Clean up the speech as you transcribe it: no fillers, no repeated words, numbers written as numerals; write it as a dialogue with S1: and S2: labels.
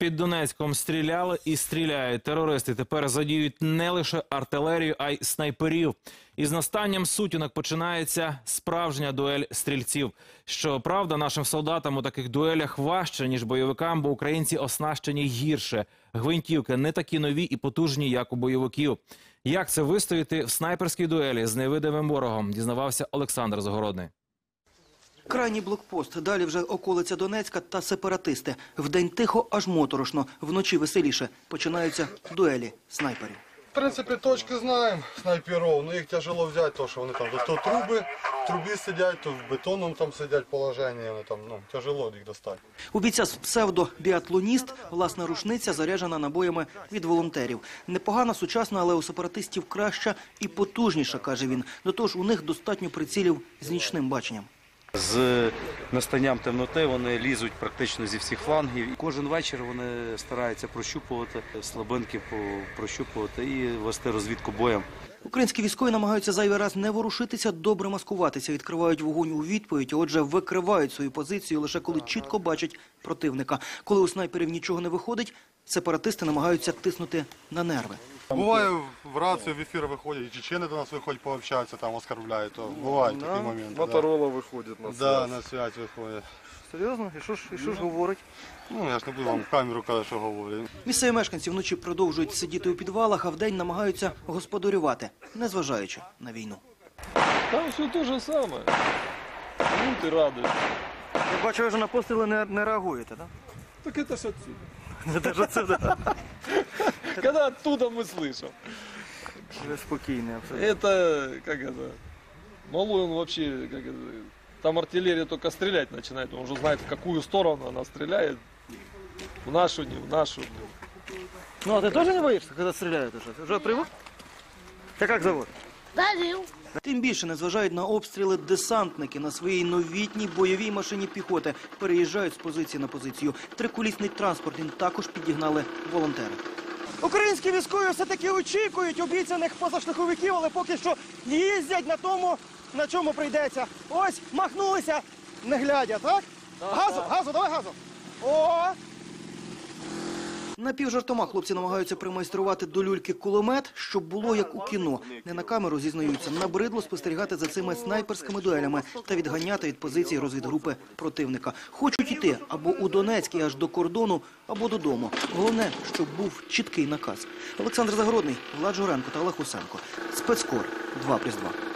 S1: Під Донецьком стріляли і стріляють. Терористи тепер задіють не лише артилерію, а й снайперів. Із настанням сутінок починається справжня дуель стрільців. Щоправда, нашим солдатам у таких дуелях важче, ніж бойовикам, бо українці оснащені гірше. Гвинтівки не такі нові і потужні, як у бойовиків. Як це вистояти в снайперській дуелі з невидимим ворогом, дізнавався Олександр Загородний.
S2: Крайній блокпост, далі вже околиця Донецька та сепаратисти. Вдень тихо, аж моторошно, вночі веселіше. Починаються дуелі снайперів.
S3: В принципі, точки знаємо снайперів, але їх тяжело взяти, тому що вони там то в трубі сидять, то в бетонному там сидять положенні, вони там, тяжело їх достати.
S2: У бійця псевдо-біатлоніст власна рушниця заряджена набоями від волонтерів. Непогана, сучасна, але у сепаратистів краща і потужніша, каже він. До того ж, у них достатньо прицілів з нічним баченням.
S4: З настанням темноти вони лізуть практично зі всіх флангів. Кожен вечір вони стараються прощупувати, слабинки прощупувати і вести розвідку боєм.
S2: Українські військові намагаються зайвий раз не ворушитися, добре маскуватися, відкривають вогонь у відповідь, а отже викривають свою позицію лише коли чітко бачать противника. Коли у снайперів нічого не виходить, сепаратисти намагаються тиснути на нерви.
S3: Буває, в рацію, в ефір виходять, і чечени до нас виходять пообщатися, там оскорбляють, то бувають такі моменти.
S5: Моторола виходить на связь.
S3: Да, на связь виходять.
S2: Серйозно? І що ж говорить?
S3: Я ж не буду вам в камеру казати, що говорять.
S2: Місцеві мешканці вночі продовжують сидіти у підвалах, а вдень намагаються господарювати, незважаючи на війну.
S5: Там все те же саме. Люди радують.
S2: Я бачу, ви вже на постріли не реагуєте, так?
S5: Так это ж отсюда.
S2: Це ж отсюда.
S5: Когда оттуда мы слышим.
S2: Ви спокійний, абсолютно.
S5: Это, как это, малой он вообще, как это, там артиллерия только стрелять начинает, он уже знает, в какую сторону она стреляет. В нашу, не в нашу.
S2: Ну, а ти теж не боїшся, коли стріляють уже? Вже привик? Тебе як зовут?
S6: Давил.
S2: Тим більше незважають на обстріли десантники на своїй новітній бойовій машині піхоти. Переїжджають з позиції на позицію. Триколісний транспорт їм також підігнали волонтери. Українські військові все-таки очікують обіцяних позашляховиків, але поки що їздять на тому, на чому прийдеться. Ось, махнулися, не глядя, так? Газу, давай газу. О! Напівжартома хлопці намагаються примайструвати до люльки кулемет, щоб було як у кіно. Не на камеру, зізнаються, набридло спостерігати за цими снайперськими дуелями та відганяти від позиції розвідгрупи противника. Хочуть іти або у Донецький аж до кордону, або додому. Головне, щоб був чіткий наказ. Олександр Загородний, Влад Журенко та Олег Усенко. Спецкор 2+2.